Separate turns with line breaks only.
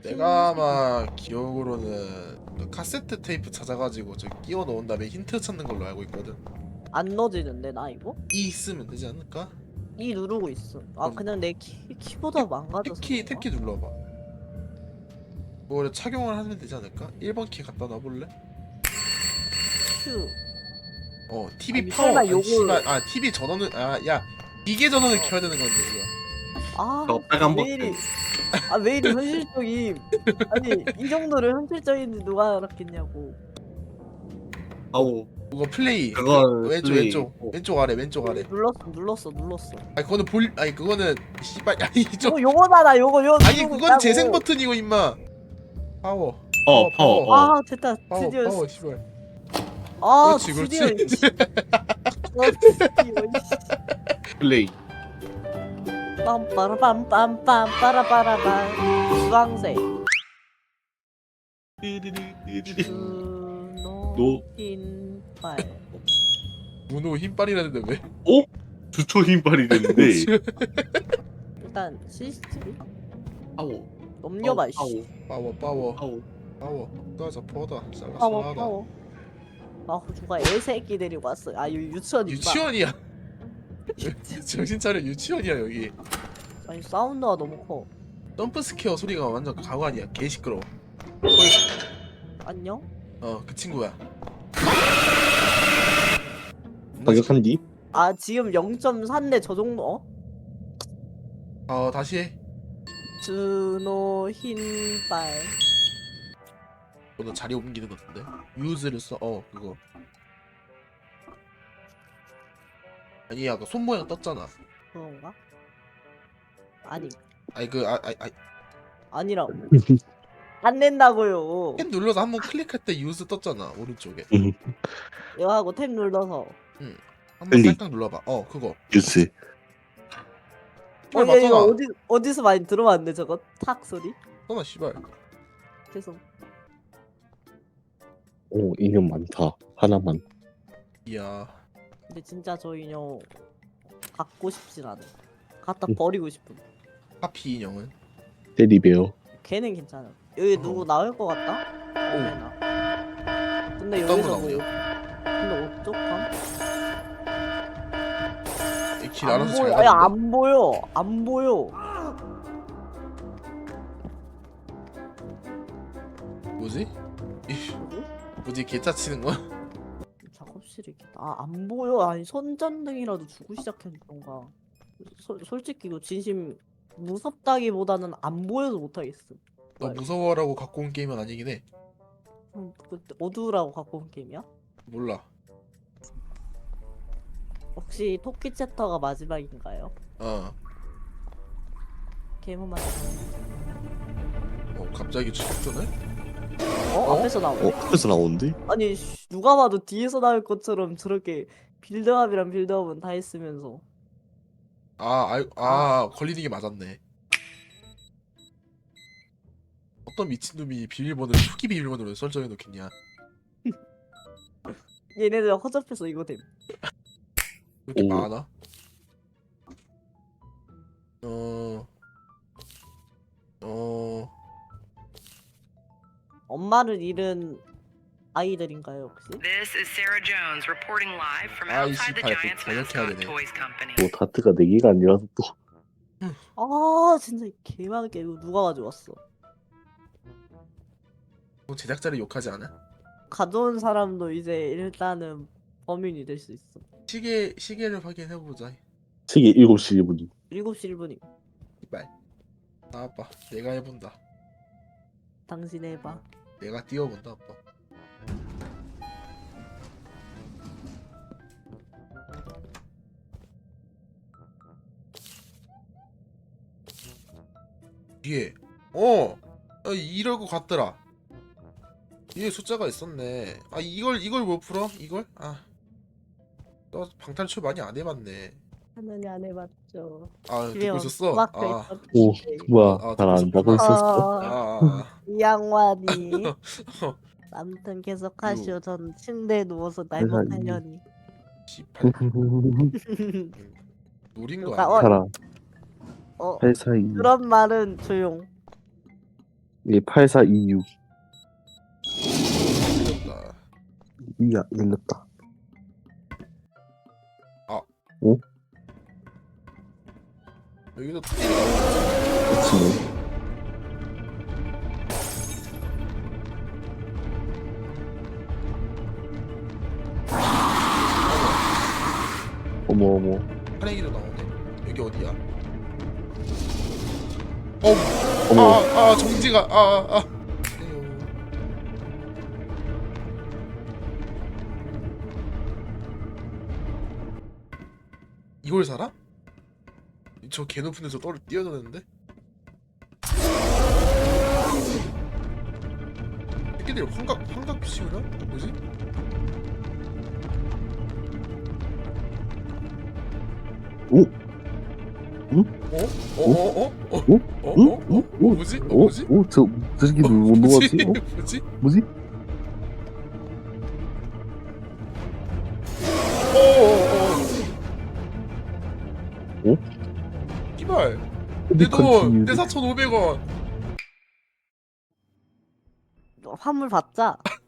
내가 아마 기억으로는 그 카세트 테이프 찾아가지고 저 끼워 넣은 다음에 힌트 찾는 걸로 알고 있거든.
안 넣어지는데 나 이거?
이 있으면 되지 않을까?
이 누르고 있어. 아
그럼
그냥 내 키보드가 망가져서 그런가?
탭키 눌러봐. 뭐 착용을 하면 되지 않을까? 1번 키 갖다 놔볼래?
큐.
TV
아니,
파워.
설마
아니,
요걸-
씨발. TV 전원을 야 기계 전원을 켜야 되는 건데 이거.
아,
빨간
왜 이리 왜 이리 현실적임? 아니 이 정도로 현실적인지 누가 알았겠냐고.
아우
그거 플레이.
그건
왼쪽
플레이.
왼쪽 아래 왼쪽 아래.
눌렀어.
아니 그거는 아니 그거는 씨발 아니 좀
요거잖아 요거
아니
누르고
그건
있다고.
재생 버튼이고 임마. 파워.
파워.
아 됐다
파워
드디어.
파워 씨발.
아
그렇지
드디어.
그렇지.
드디어.
플레이.
빰빠라빰빰빰 빠라빠라밤 주황색
노.
흰발.
문호 힘빨이라는데 왜?
주초 힘발이 됐는데.
일단 CCTV
파워.
넘겨봐 씨.
파워. 가자 퍼다.
파워 파워. 아 누가 애새끼 데리고 왔어. 아 여기 유치원이구나.
유치원이야. 정신 차려 유치원이야 여기.
아니 사운드가 너무 커.
점프 스퀘어 소리가 완전 가관이야. 개 시끄러워.
안녕?
그 친구야.
가격한 뒤?
아 지금 0.3네 저 정도?
다시 해.
준호 흰발.
너 자리 옮기는 것 같은데? 유즈를 써. 그거. 아니 아까 손 모양 떴잖아.
그런가? 아니
아니
아니라고. 안 낸다고요.
탭 눌러서 한번 클릭할 때 유즈 떴잖아 오른쪽에.
이거 하고 탭 눌러서.
한번
클릭.
살짝 눌러봐. 그거.
뉴스.
씨발
야, 이거
맞잖아.
어디서 많이 들어봤는데 저거 탁 소리?
떠나 씨발.
죄송.
오, 인형 많다. 하나만.
이야.
근데 진짜 저 인형 갖고 싶진 않아. 갖다 버리고 싶음.
하피 인형은.
테디베어.
걔는 괜찮아. 여기 누구 나올 것 같다? 근데
어떤
여기서
거
뭐?
나오냐?
근데 어떡함?
길 알아서 잘
보여.
가는데.
안 보여. 안 보여.
뭐지?
누구?
뭐지 개짜 치는 거야?
작업실에 있겠다. 안 보여. 아니 손전등이라도 주고 시작했던가. 솔직히 이거 진심 무섭다기보다는 안 보여서 못하겠어.
너 무서워라고 갖고 온 게임은 아니긴 해.
그때 어두우라고 갖고 온 게임이야?
몰라.
혹시 토끼 챕터가 마지막인가요? 게임만
갑자기 추격전을?
앞에서 나오네?
앞에서 나오는데?
아니 누가 봐도 뒤에서 나올 것처럼 저렇게 빌드업이랑 빌드업은 다 했으면서.
걸리는 게 맞았네. 어떤 미친놈이 비밀번호를 초기 비밀번호로 설정해 놓겠냐?
얘네들 허접해서 이거 됨.
왜 이렇게
오.
많아?
엄마를 잃은 아이들인가요 혹시?
This is Sarah Jones reporting live from
아,
outside the
28,
Giants
번역해야
mascot
되네.
toys company.
뭐, 다트가 4개가 아니라서 또.
아 진짜 개많게 이거 누가 가져왔어?
제작자를 욕하지 않아?
가져온 사람도 이제 일단은 범인이 될 수 있어.
시계를 확인해 보자.
시계 7시 1분이.
7시 1분이.
이발. 나와봐. 내가 해본다.
당신 해봐.
내가 뛰어본다 아빠. 뒤에 이러고 갔더라. 뒤에 숫자가 있었네. 이걸 못 풀어? 이걸? 너 방탈출 많이 안 해봤네.
하느니 안 해봤죠.
듣고 있었어?
오, 뭐야.
듣고
잘 안다고
있었구나.
있었어?
이 양반이. 아무튼 계속 하시오. 전 침대에 누워서 날먹하려니.
씨발 노린 거
그러니까,
아니야?
살아.
어
할 사이.
그런 말은 조용.
이 8426.
틀렸다.
이야, 열렸다.
여기도 띠리가 나오지.
그치네. 어머, 어머.
파랭이도 나오네. 여기 어디야? 어,
어머.
정지가, 에요. 이걸 살아? 저 개 높은 데서 뛰어드는데? 새끼들 환각 키우나? 뭐지?
오?
뭐지? 뭐지?
저 새끼들 못
뭐지?
녹았지?
뭐지?
뭐지? 어?
이발
근데
내 돈! 내
컨티뉴.
4,500원!
화물 받자.